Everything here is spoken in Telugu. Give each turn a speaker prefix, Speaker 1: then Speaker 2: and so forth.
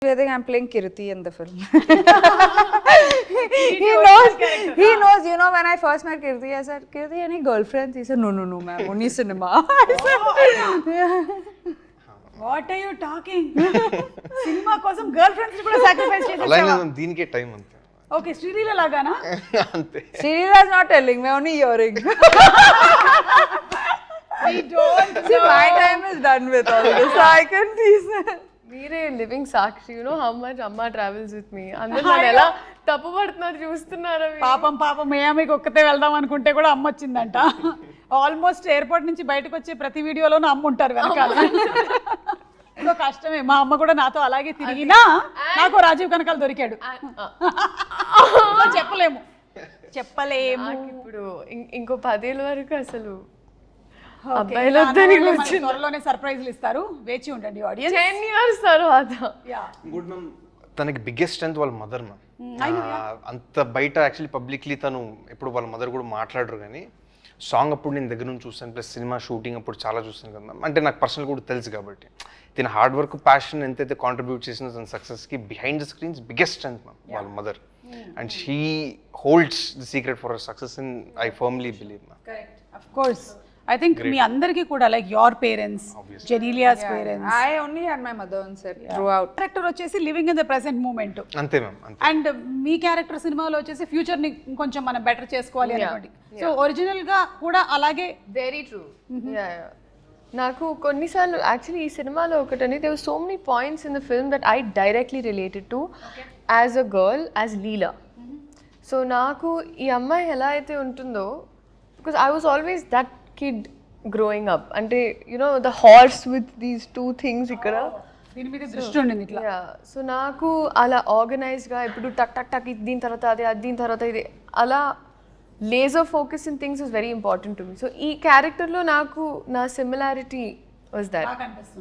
Speaker 1: I think I'm playing Kirti in the film. He knows, you know, when I first met Kirti, I said, Kirti, any girlfriends? He said, no, ma'am, only cinema. I said,
Speaker 2: What are you talking? సినిమా కోసం గర్ల్ ఫ్రెండ్స్ కూడా సాక్రిఫైస్ చేసేసావా?
Speaker 3: అలాగే దీనికే టైం అంతే.
Speaker 2: ఓకే, శ్రీలీల లాగానా?
Speaker 3: అంతే.
Speaker 1: Srira's not telling me, only hearing.
Speaker 2: I don't
Speaker 1: See, my time is done with all this, so I can tease her.
Speaker 4: మీరే living Sakshi, you know how much అమ్మ ట్రావెల్స్ విత్ మీ. అందరూ నన్ను ఎలా తప్పుపడుతున్నారు చూస్తున్నారా?
Speaker 2: పాపం మియామికి ఒక్కతే వెళ్దాం అనుకుంటే కూడా అమ్మ వచ్చిందంట. ఆల్మోస్ట్ ఎయిర్పోర్ట్ నుంచి బయటకు వచ్చే ప్రతి వీడియోలోనూ అమ్మ ఉంటారు వెనకాల. సో కష్టమే. మా అమ్మ కూడా నాతో అలాగే తిరిగినా నాకు రాజీవ్ కనకాల దొరికాడు. చెప్పలేము.
Speaker 4: ఇప్పుడు ఇంకో 10 ఏళ్ళ వరకు అసలు
Speaker 2: అబ్బాయిలు త్వరలోనే సర్ప్రైజ్లు ఇస్తారు, వేచి ఉండండి ఆడియన్స్.
Speaker 4: 10 years తర్వాత.
Speaker 3: Good ma'am. తనకి బిగ్గెస్ట్ స్ట్రెంత్ వాళ్ళ మదర్ మ్యామ్. అంత బయట యాక్చువల్లీ పబ్లిక్లీ తను ఎప్పుడు వాళ్ళ మదర్ కూడా మాట్లాడరు, కానీ సాంగ్ అప్పుడు నేను దగ్గర నుంచి చూస్తాను, ప్లస్ సినిమా షూటింగ్ అప్పుడు చాలా చూస్తాను కదా మ్యామ్. అంటే నాకు పర్సనల్ కూడా తెలుసు కాబట్టి తన హార్డ్ వర్క్, ప్యాషన్ ఎంతైతే కాంట్రిబ్యూట్ చేసిన తన సక్సెస్కి behind the screens biggest strength ma'am వాళ్ళ mother. And she holds the secret for her success in I firmly believe ma'am.
Speaker 2: Correct, of course. I think మీ అందరికీ కూడా like your parents, Genelia's parents.
Speaker 1: I only had my mother on set throughout.
Speaker 2: Character వచ్చేసి living in the present moment.
Speaker 3: అంతే మ్యామ్, అంతే.
Speaker 2: అండ్ మీ క్యారెక్టర్ సినిమాలో వచ్చేసి ఫ్యూచర్ ని కొంచెం మనం బెటర్ చేసుకోవాలి అనుకోండి. సో ఒరిజినల్ గా కూడా అలాగే.
Speaker 4: Very true. నాకు కొన్నిసార్లు యాక్చువల్లీ ఈ సినిమాలో ఒకటని there were so many points in the film that I directly related to as a girl, as Leela. So నాకు ఈ అమ్మాయి ఎలా అయితే ఉంటుందో, because I was always that kid growing up. అంటే you know the horse with these 2 things ఇక్కడ
Speaker 2: దీని మీద దృష్టి ఉండింది ఇట్లా.
Speaker 4: సో నాకు అలా ఆర్గనైజ్గా ఇప్పుడు టక్ టక్ టక్ దీని తర్వాత అది, దీని తర్వాత ఇది, అలా laser focus in things is very important to me. So ఈ క్యారెక్టర్లో నాకు నా సిమిలారిటీ వాజ్ దట్.